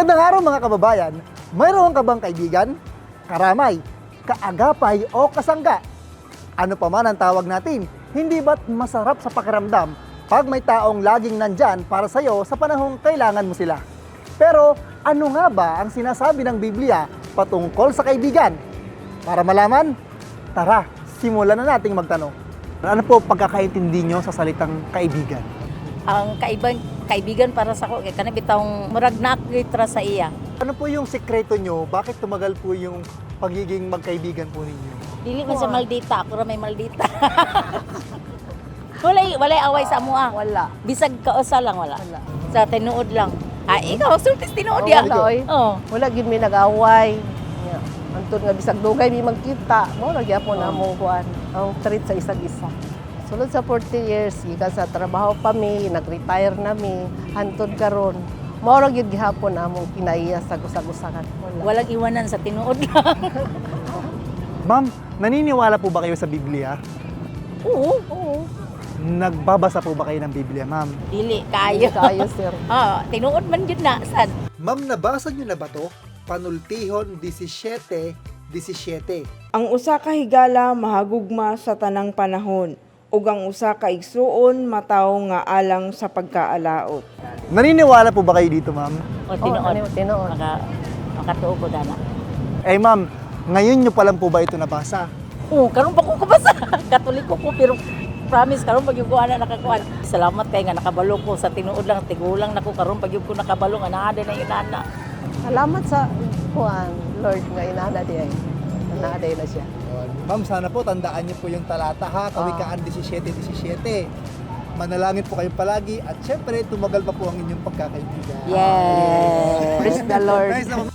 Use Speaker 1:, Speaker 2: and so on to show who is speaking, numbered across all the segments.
Speaker 1: Magandang araw mga kababayan. Mayroon ka bang kaibigan, karamay, kaagapay o kasangga? Ano pa man ang tawag natin, hindi ba't masarap sa pakiramdam pag may taong laging nandyan para sa'yo sa panahong kailangan mo sila? Pero ano nga ba ang sinasabi ng Biblia patungkol sa kaibigan? Para malaman, tara, simulan na nating magtanong. Ano po pagkakaintindi nyo sa salitang kaibigan?
Speaker 2: Ang kaibigan para sa ko kay kana bitawng murag nakita sa iya.
Speaker 1: Ano po yung sekreto nyo? Bakit tumagal po yung pagiging magkaibigan po ninyo?
Speaker 2: Dili man sa maldita, ako ra may maldita. walay away sa amo ah.
Speaker 3: Wala.
Speaker 2: Bisag kausa lang wala.
Speaker 3: Wala.
Speaker 2: Sa tinuod lang. Ikaw sultis tinuod ya.
Speaker 3: Wala, oy.
Speaker 2: Oh.
Speaker 3: Wala gid mi nag-away. Antun nga bisag dugay mi magkita, mo ra gyapon
Speaker 2: Oh.
Speaker 3: among kuan. Ang treat sa isang isa. Sulod sa 40 years, gikan sa trabaho pa mi, nag-retire na mi, hantod karon. Mao ra gyud gihapon among kinaiya sa gusag-usagan. Wala.
Speaker 2: Walang iwanan sa tinuod lang.
Speaker 1: Ma'am, naniniwala po ba kayo sa Biblia?
Speaker 3: Oo, oo.
Speaker 1: Nagbabasa po ba kayo ng Biblia, ma'am?
Speaker 2: Dili kayo.
Speaker 3: Kayo, sir.
Speaker 2: Tinuod man gyud na sad.
Speaker 1: Ma'am, nabasa nyo na ba to? Panultihon 17:17.
Speaker 4: Ang usa ka higala mahagugma sa tanang panahon, ug ang usa ka igsuon mataw nga alang sa pagkaalaot.
Speaker 1: Naniniwala po ba kayo dito, ma'am?
Speaker 2: O tinuod.
Speaker 3: Tinuod.
Speaker 2: Makatuo ko dana.
Speaker 1: Eh, ma'am, ngayon nyo pa lang po ba ito nabasa?
Speaker 2: Karon pa ko kabasa. Katoliko ko pero promise karon pag yung kuana nakakuan. Salamat kay nga nakabalo ko sa tinuod lang tigulang nako karon pag yung ko nakabalo nga naa na yung nana.
Speaker 3: Salamat sa kuan, Lord nga inana di ay. Naaday na siya.
Speaker 1: Ma'am, sana po tandaan niyo po yung talata ha, Kawikaan 17:17. Manalangin po kayo palagi at syempre tumagal pa po ang inyong pagkakaibigan.
Speaker 2: Yes.
Speaker 3: Praise the Lord.
Speaker 1: Nice naman.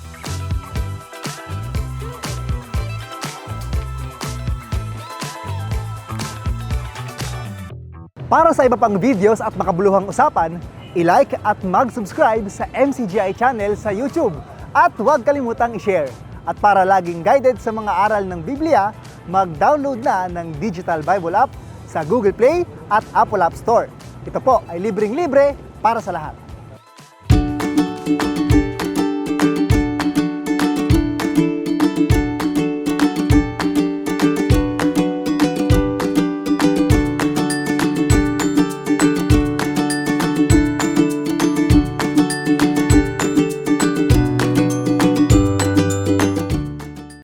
Speaker 1: Para sa iba pang videos at makabuluhang usapan, i-like at mag-subscribe sa MCGI channel sa YouTube. At huwag kalimutang i-share. At para laging guided sa mga aral ng Biblia, mag-download na ng Digital Bible App sa Google Play at Apple App Store. Ito po ay libreng-libre para sa lahat.